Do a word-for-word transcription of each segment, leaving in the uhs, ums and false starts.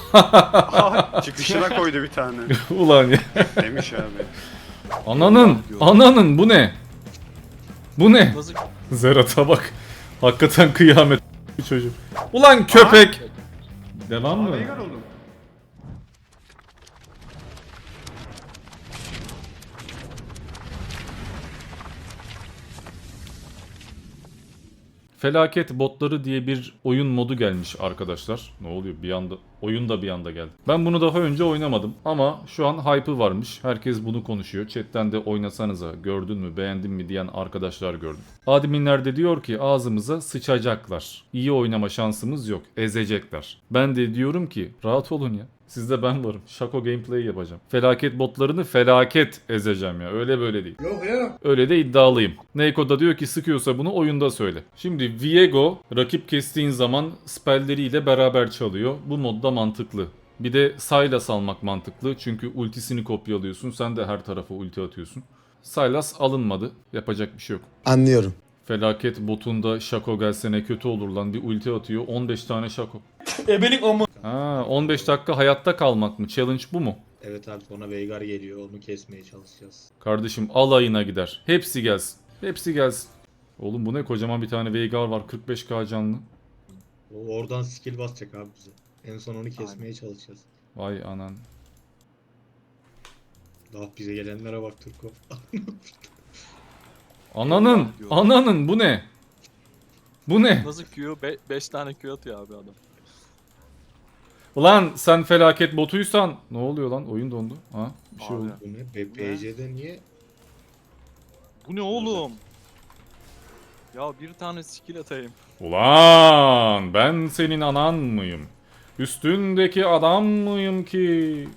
Aha, çıkışına koydu bir tane. Ulan ya. Demiş abi. Ananın, ananın bu ne? Bu ne? Nasıl? Zerat'a bak. Hakikaten kıyamet bir çocuk. Ulan köpek. Devam mı? Aa, Veigar oldum. Felaket botları diye bir oyun modu gelmiş arkadaşlar. Ne oluyor bir anda? Oyun da bir anda geldi. Ben bunu daha önce oynamadım ama şu an hype'ı varmış. Herkes bunu konuşuyor. Chatten de oynasanıza gördün mü beğendin mi diyen arkadaşlar gördüm. Adminler de diyor ki ağzımıza sıçacaklar. İyi oynama şansımız yok. Ezecekler. Ben de diyorum ki rahat olun ya. Sizde ben varım. Şako gameplay yapacağım. Felaket botlarını felaket ezeceğim ya. Öyle böyle değil. Yok ya. Öyle de iddialıyım. Neiko da diyor ki sıkıyorsa bunu oyunda söyle. Şimdi Viego rakip kestiğin zaman spelleriyle beraber çalıyor. Bu modda mantıklı. Bir de Sylas almak mantıklı. Çünkü ultisini kopyalıyorsun. Sen de her tarafa ulti atıyorsun. Sylas alınmadı. Yapacak bir şey yok. Anlıyorum. Felaket botunda Şako gelse ne kötü olur lan. Bir ulti atıyor. on beş tane Şako. Ebelik ama. Ha, on beş dakika hayatta kalmak mı? Challenge bu mu? Evet abi sonra Veigar geliyor onu kesmeye çalışacağız. Kardeşim alayına gider. Hepsi gelsin. Hepsi gelsin. Oğlum bu ne kocaman bir tane Veigar var. kırk beş K canlı. O oradan skill basacak abi bize. En son onu kesmeye çalışacağız. Vay anan. Daha bize gelenlere bak Turko. Ananın. diyor. Ananın bu ne? Bu ne? Nasıl Q? beş tane Q atıyor abi adam. Ulan sen felaket botuysan. Ne oluyor lan? Oyun dondu. Ha? Bir şey Abi. oldu. Bu ne? B- P C'de niye? Bu ne oğlum? Ya bir tane skill atayım. Ulan ben senin anan mıyım? Üstündeki adam mıyım ki?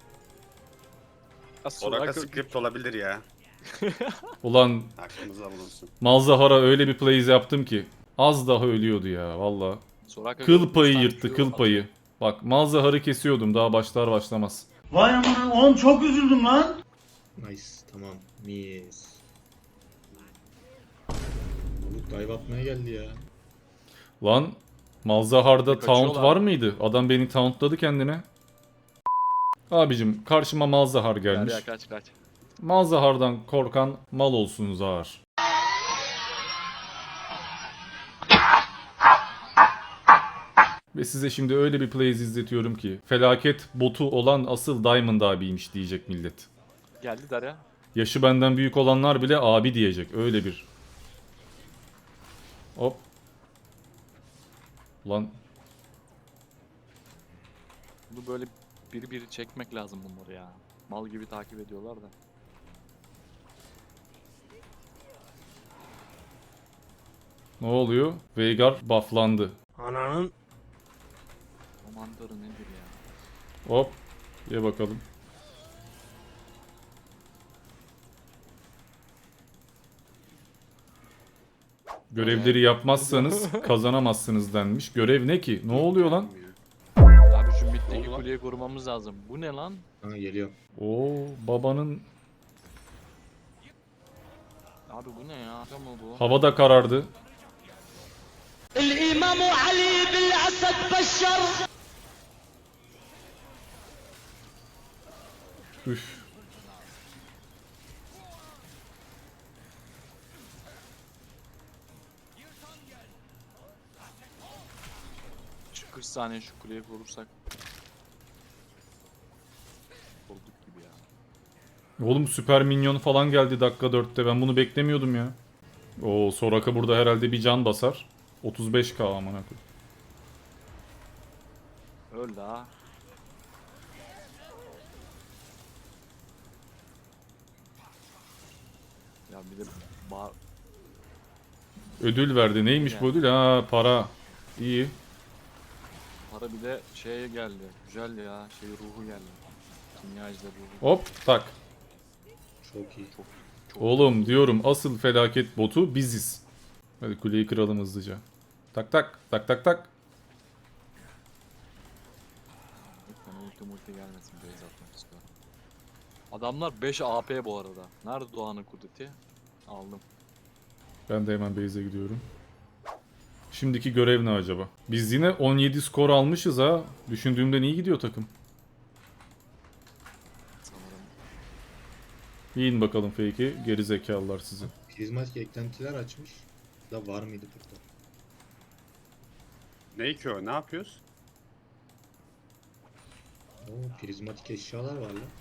Ya Soraka Soraka- script olabilir ya. Ulan Aklımızda bulunsun. Malzahara öyle bir plays yaptım ki. Az daha ölüyordu ya valla. Soraka Kıl üç payı tane yırttı Q kıl atıyor. payı. Bak Malzahar'ı kesiyordum daha başlar başlamaz. Vay aman oğlum çok üzüldüm lan. Nice tamam. Mis. Balık dive atmaya geldi ya. Lan Malzahar'da Kaçıyorlar. taunt var mıydı? Adam beni tauntladı kendine. Abicim karşıma Malzahar gelmiş. Derya kaç kaç. Malzahar'dan korkan mal olsun Zahar. Ve size şimdi öyle bir plays izletiyorum ki felaket botu olan asıl Diamond abiymiş diyecek millet. Geldi Derya. Yaşı benden büyük olanlar bile abi diyecek. Öyle bir. Hop. Ulan Bunu böyle biri biri çekmek lazım bunları ya. Mal gibi takip ediyorlar da. ne oluyor? Veigar bufflandı. Ananın. Komandarı nedir ya? Hop. Ye bakalım. Görevleri yapmazsanız kazanamazsınız denmiş. Görev ne ki? Ne oluyor lan? Abi şu middeki Oldu lan. kuleyi korumamız lazım. Bu ne lan? Ha geliyor. Oo babanın Abi bu ne ya? Şaka mı bu? havada karardı. الإمام علي بالأسد بشر Üf. Şu kırk saniye şu kuleyi korursak. Koruduk gibi ya. Oğlum süper minyon falan geldi dakika dörtte. Ben bunu beklemiyordum ya. Oo Soraka burada herhalde bir can basar. otuz beş K amına koyayım. Öl daha. Ya bir de bağır... Ödül verdi. Neymiş bu ödül? Ha para. İyi. Para bir de şeye geldi. Güzel ya. Şey ruhu geldi. Kimyacıda ruhu. Hop tak. Çok iyi. Çok çok Oğlum diyorum asıl felaket botu biziz. Hadi kuleyi kıralım hızlıca. Tak tak tak tak tak. lütfen ulti multi gelmesin. Base atmak istiyorum. Adamlar beş A P bu arada. Nerede Doğan'ın kudreti? Aldım. Ben de hemen base'e gidiyorum. Şimdiki görev ne acaba? Biz yine on yedi skor almışız ha. Düşündüğümden iyi gidiyor takım. Sanırım. Yiyin bakalım fake'i. Geri zekalılar sizi. Prizmatik eklentiler açmış. Da var mıydı burada? Ne ki o? Ne yapıyoruz? Oo, prizmatik eşyalar var lan.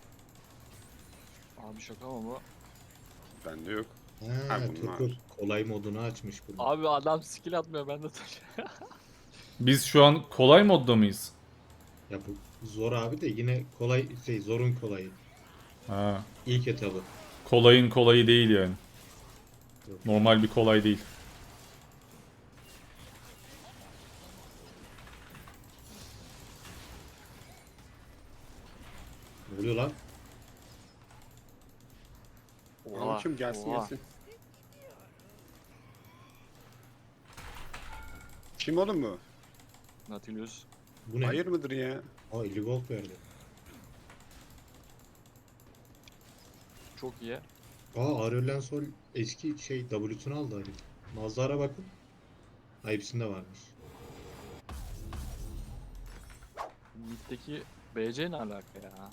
Abi şaka mı bu? Bende yok. Ha, Ha, bunlar. Turku kolay modunu açmış bunu. Abi adam skill atmıyor ben de taş. Biz şu an kolay modda mıyız? Ya bu zor abi de yine kolay şey zorun kolayı. Ha. İlk etabı. Kolayın kolayı değil yani. Yok. Normal bir kolay değil. Ne oluyor lan? Oha, kim gelsin oha. gelsin. Kim oğlum bu? Nautilus. Bu ne? Hayır mıdır ya? Aa elli gold verdi. Çok iyi. Aa Aurelion Sol eski şey W'sunu aldı herif. Mazhara bakın. Ha hepsinde varmış. Mid'deki B C ne alaka ya?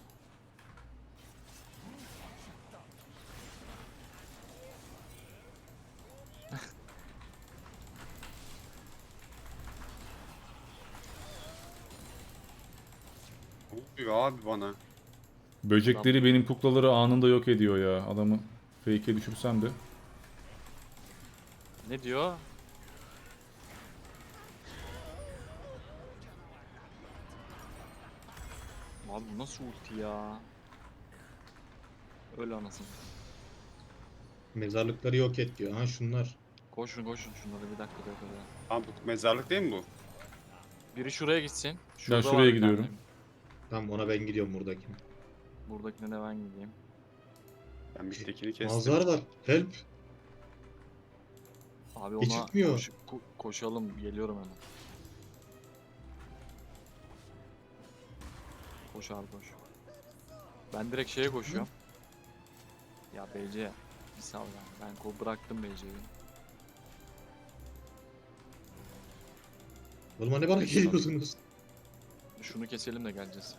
Ne oluyor abi bana? Böcekleri benim kuklaları anında yok ediyor ya. Adamı fake'e düşürsem de. Ne diyor? Abi bu nasıl ulti ya? Öyle anasını. Mezarlıkları yok et diyor. Ha şunlar. Koşun koşun şunları bir dakika dakika. Abi bu mezarlık değil mi bu? Biri şuraya gitsin. Ben var şuraya bir gidiyorum. tane. Tamam ona ben gidiyorum buradaki. Buradakine de ben gideyim. Ben bir tekini kestim. Mazhar var. Help. Abi Hiç ona çıkmıyor. koş- ko- koşalım geliyorum hemen. Koş abi koş. Ben direkt şeye koşuyorum. Ya B C bir sal ya. Ben ko bıraktım B C'yi. Oğlum hani bana geliyorsunuz? Şunu keselim de geleceğiz.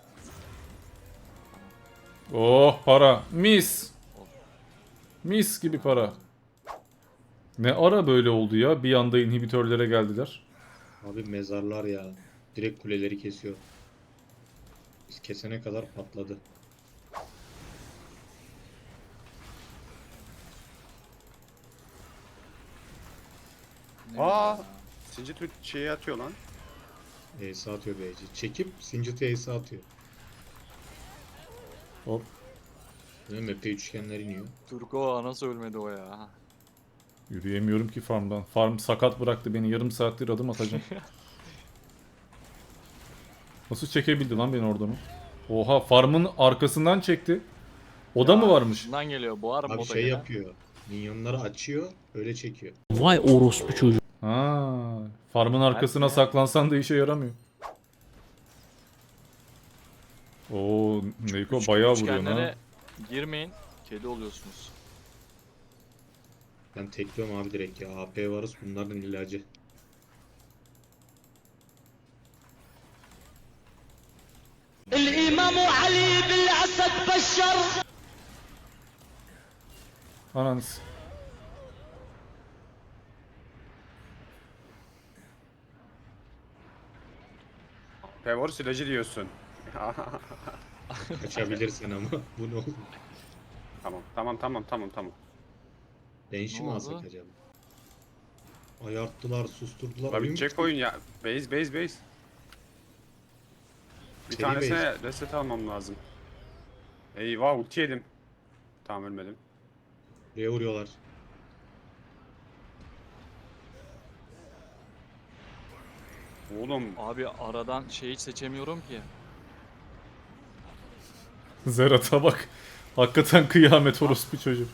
Oh para. Mis. Of. Mis gibi para. Ne ara böyle oldu ya? Bir anda inhibitörlere geldiler. Abi mezarlar ya. Direkt kuleleri kesiyor. Biz kesene kadar patladı. Ne Aa! ya? Sincit şeyi atıyor lan. Ace atıyor B C. Çekip Singit'e Ace atıyor. Hop. Değil mi? Map'te üçgenler iniyor. Turko nasıl ölmedi o ya? Yürüyemiyorum ki farmdan. Farm sakat bıraktı beni. Yarım saattir adım atacağım. Nasıl çekebildi lan beni oradan o? Oha farmın arkasından çekti. O da Ya, mı varmış? Şundan geliyor. Boğar mı Abi bota şey gelen? yapıyor. Minyonları açıyor. Öyle çekiyor. Vay orospu çocuğu. Ha, farmın arkasına Belki ya. saklansan da işe yaramıyor. Oo, Neiko Üç- bayağı vuruyor üçgenlere ha. girmeyin. Kedi oluyorsunuz. Ben tekliyorum abi direkt ya. A P varız bunların ilacı. الإمام علي بالأسد بشر. Ananız. Pevor silajı diyorsun. Kaçabilirsin ama. Bu ne oldu? Tamam tamam tamam tamam tamam. Benşi Ne mi oldu? alsak acaba? Ayarttılar, susturdular. La Oyun bitecek bitti. oyun ya. Base base base. Bir Seri tanesine base. reset almam lazım. Eyvah ulti yedim. Tamam ölmedim. Buraya vuruyorlar. Oğlum Abi aradan şeyi seçemiyorum ki. Zerat'a bak. Hakikaten kıyamet orospu çocuk.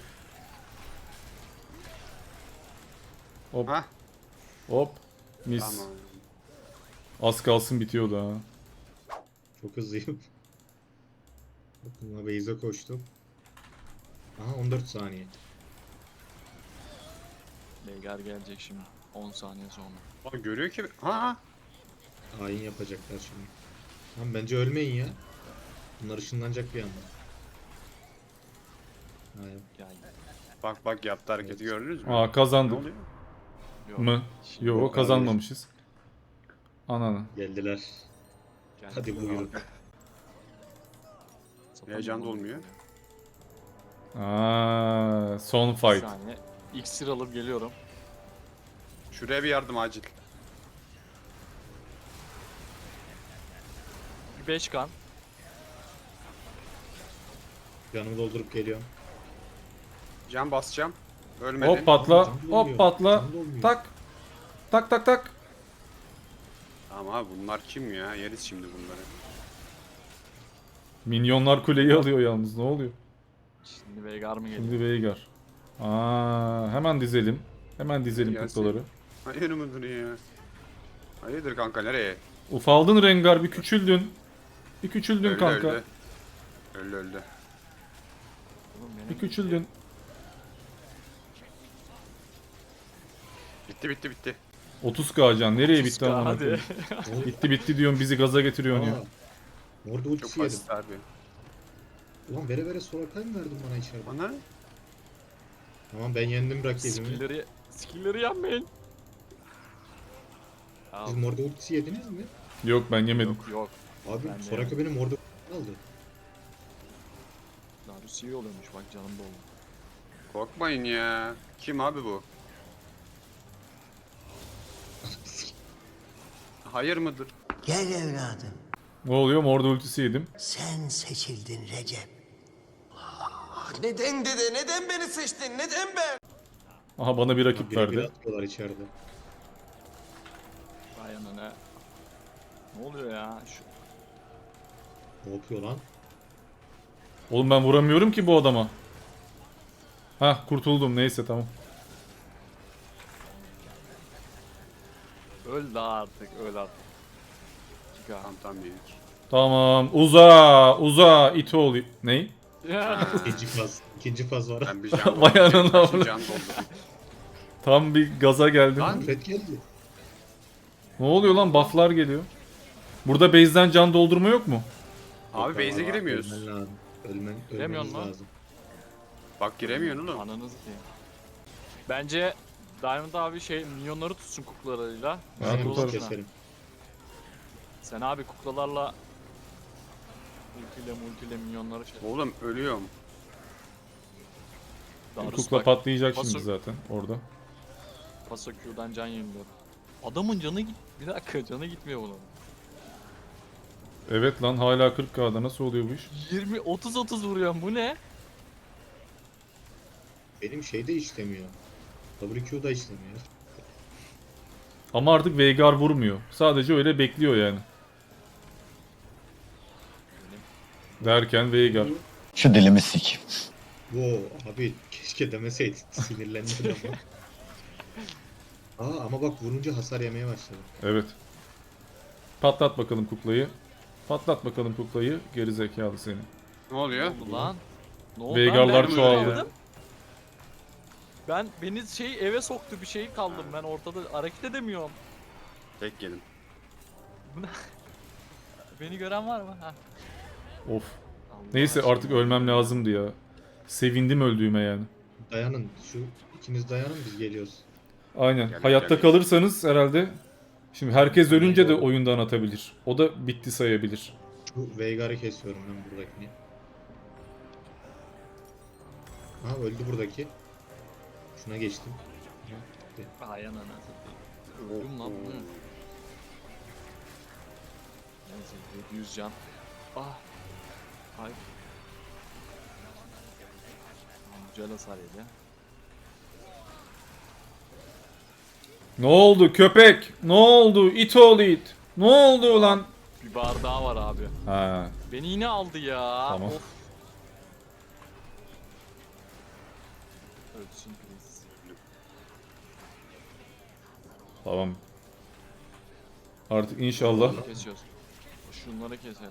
Hop ha hop. Mis. tamam. Az kalsın bitiyordu ha. Çok hızlıyım. Bakın base'e koştum. Aha on dört saniye. Veigar gelecek şimdi. on saniye sonra. Lan görüyor ki. Ha. Hain yapacaklar şimdi. Lan bence ölmeyin ya. Bunlar ışınlanacak bir anda. Ha, yok. Yani Bak bak yaptı hareketi gördünüz mü? Aa Ne kazandık oluyor? yok. mı? Şimdi Yo Yok, kazanmamışız. Ananı. Geldiler. geldi. Hadi buyurun. Zaten Heyecan da bu- olmuyor. Aa, son Bir fight. saniye. İksir alıp geliyorum. Şuraya bir yardım acil. Bir beş kan. Canımı doldurup geliyorum. Can basacağım. Ölmedi. Hop patla. Canım Hop dolmuyor, patla. canım dolmuyor. Tak. Tak tak tak. Ama abi bunlar kim ya? Yeriz şimdi bunları. Minyonlar kuleyi alıyor yalnız. Ne oluyor? Şimdi Veigar mı geliyor? Şimdi Veigar. Aa, hemen dizelim. Hemen dizelim Gelsin. kuklaları. Hayır mıdır ya? Hayırdır kanka nereye? Ufaldın Rengar, bir küçüldün. Bir küçüldün Öldü kanka. öldü. Öldü öldü. Oğlum benim Bir küçüldün. Bitti bitti bitti. otuz K can. Nereye bitti Hadi. amına Hadi. koyayım? Oğlum, Bitti bitti diyorsun, bizi gaza getiriyorsun ya. aa, Orada Çok ultisi yedim. basit abi. Ulan vere vere Soraka'yı mı verdin bana içeride? Bana Tamam ben yendim rakibimi. Skill'leri, skill'leri yenmeyin. Ya, Siz orada ultisi yediniz mi? Yok ben yemedim. yok yok. Abi Ben de Soraka benim orada aldı. Darius iyi oluyormuş bak canım doldu. korkmayın ya. Kim abi bu? Hayır mıdır? Gel evladım. Ne oluyor? Morda ultisi yedim. Sen seçildin Recep. Neden dede? Neden beni seçtin? Neden ben? Aha bana bir rakip Bire bir verdi. atıyorlar içeride. Vay anana. Ne oluyor ya? Şu Ne yapıyor lan? Oğlum ben vuramıyorum ki bu adama. Hah kurtuldum, neyse tamam. öl daha artık öl artık. Giga. Tam tam yedik. Tamam, uza uza it ol. Ney? Ya. İkinci faz. İkinci faz var. Ben bir can Vay doldurdum. anana Kaçın avradım. can doldurdum. Tam bir gaza geldim. Lan. Red geldi. Ne oluyor lan? Bufflar geliyor. Burada base'den can doldurma yok mu? Abi Yok base'e abi, giremiyoruz. Ölmen lazım. Ölmen, Giremiyorsun ölmeniz lan. lazım. Bak giremiyorsun oğlum. Ananız diye. Bence Diamond abi şey minyonları tutsun kuklalarıyla. Ben Aynen, tutarım. biz keserim. Sen abi kuklalarla ultiyle multiyle minyonları şey. Oğlum ölüyorum. Darius Kukla bak, patlayacak Paso- şimdi zaten orada. Paso Q'dan can yeniliyor. Adamın canı git. Bir dakika canı gitmiyor bunun. Evet lan, hala kırk K'da nasıl oluyor bu iş? yirmi otuz otuz vuruyor bu ne? Benim şey de işlemiyor. W Q da işlemiyor. Ama artık Veigar vurmuyor. Sadece öyle bekliyor yani. Derken Veigar. Şu dilimi sik. Wow abi keşke demeseydin. Sinirlendim ama. Aa ama bak vurunca hasar yemeye başladı. Evet. Patlat bakalım kuklayı. Patlat bakalım kuklayı. Geri zekalı seni. Ne Ne oluyor? oldu lan? Ne oldu Veigarlar lan? Ben çoğaldı. kaldım. Ben beni şey eve soktu bir şey kaldım ben ortada hareket edemiyorum. Tek yedim. Beni gören var mı? Ha. Of. Allah Neyse aşkına. artık ölmem lazımdı ya. Sevindim öldüğüme yani. Dayanın şu ikiniz dayanın biz geliyoruz. Aynen. Gel, Hayatta gel. kalırsanız herhalde. Şimdi herkes ölünce de oyundan atabilir. O da bitti sayabilir. Şu Veigar'ı kesiyorum ben buradakini. Ha öldü buradaki. Şuna geçtim. Ay anana satayım. Öldüm lan. Hı. Neyse yedi yüz can. Ah. Ay. Güzel hasar yedi. Ne oldu köpek? Ne oldu? İt oğlu it. Ne oldu lan? Bir bar daha var abi. Ha, Beni yine aldı ya. Tamam. Of. Ölsün please. tamam. Artık inşallah. Kesiyoruz. Şunları keselim.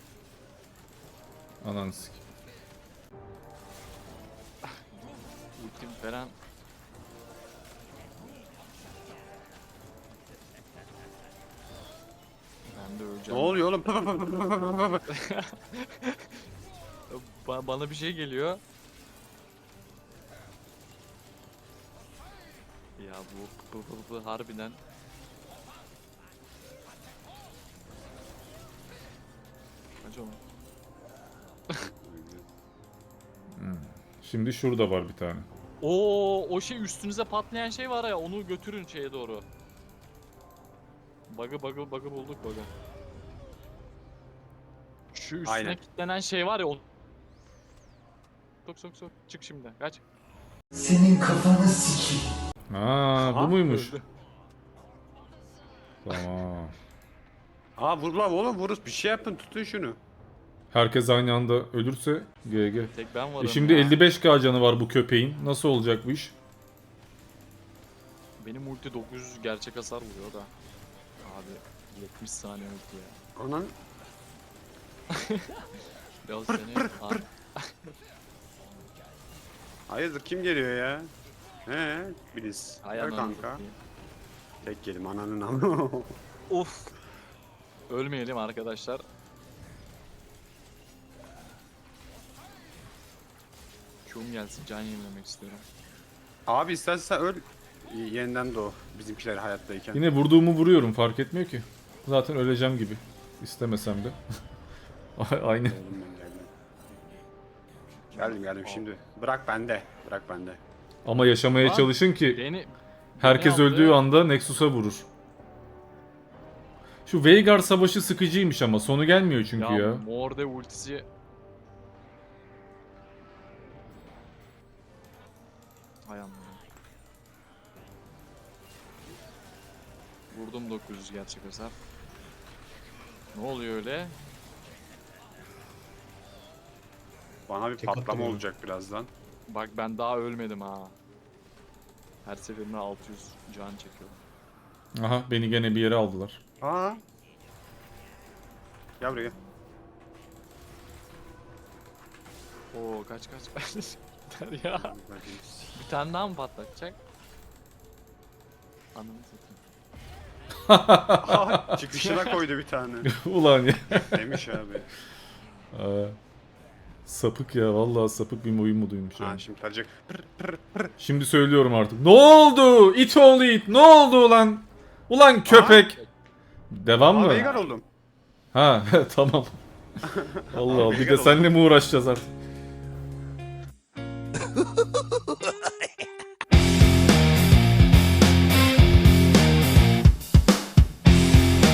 Ananı sik. Ultim falan. Ben de Ne öleceğim. oluyor oğlum? Ba- bana bir şey geliyor. Ya bu, bu, bu, bu harbiden. Kaç onu? Şimdi şurada var bir tane. Oo, o şey üstünüze patlayan şey var ya, onu götürün şeye doğru. Bug'ı bug'ı bug'ı bulduk bug'ı. Şu üstüne Aynen. kilitlenen şey var ya, onu... Sok sok sok, çık şimdi, kaç. Senin kafanı sikeyim. Ha, bu Aha, muymuş? Öldü. Tamam. Aa vur lan oğlum vuruz bir şey yapın tutun şunu. Herkes aynı anda ölürse G G. Tek ben varım E şimdi ya. elli beş K canı var bu köpeğin. Nasıl olacak bu iş? Benim ulti dokuz yüz gerçek hasar vuruyor da. Abi yetmiş saniye ulti ya. Anan. Ya seni... Abi, Hayırdır kim geliyor ya? He Biliz. hay Gel ananı kanka. satayım. Tek gelim ananın amı. Of. Ölmeyelim arkadaşlar. Q'um gelsin, can yenilemek istiyorum. Abi istersen öl. Yeniden doğ. Bizimkiler hayattayken. Yine vurduğumu vuruyorum, fark etmiyor ki. Zaten öleceğim gibi. İstemesem de. Aynı. Oğlum ben geldim. Geldim geldim şimdi. Bırak bende. Bırak bende. Ama yaşamaya Lan, çalışın ki Beni... herkes beni aldı. öldüğü anda Nexus'a vurur. Şu Veigar savaşı sıkıcıymış ama sonu gelmiyor çünkü ya. Ya Morde ultisi... Hay Allah. Vurdum dokuz yüz gerçek hasar. Ne oluyor öyle? Bana bir Tek patlama attım olacak birazdan. Bak ben daha ölmedim ha. Her seferinde altı yüz can çekiyorum. Aha, beni gene bir yere aldılar. Aa. Gel buraya. Oo kaç kaç kaç. Yeter ya. Bir tane daha mı patlatacak? Ananı satayım. Aha, çıkışına koydu bir tane. Ulan ya. Demiş abi. Aa, sapık ya, vallahi sapık bir oyun moduymuş Ha yani. şimdi tarayacak. Şimdi söylüyorum artık. Ne oldu? It oğlu it. Ne oldu ulan? Ulan köpek. Devam Aa mı? Veigar oldum. Ha tamam. Allah Allah, bir Veigar de oldu. seninle mi uğraşacağız artık?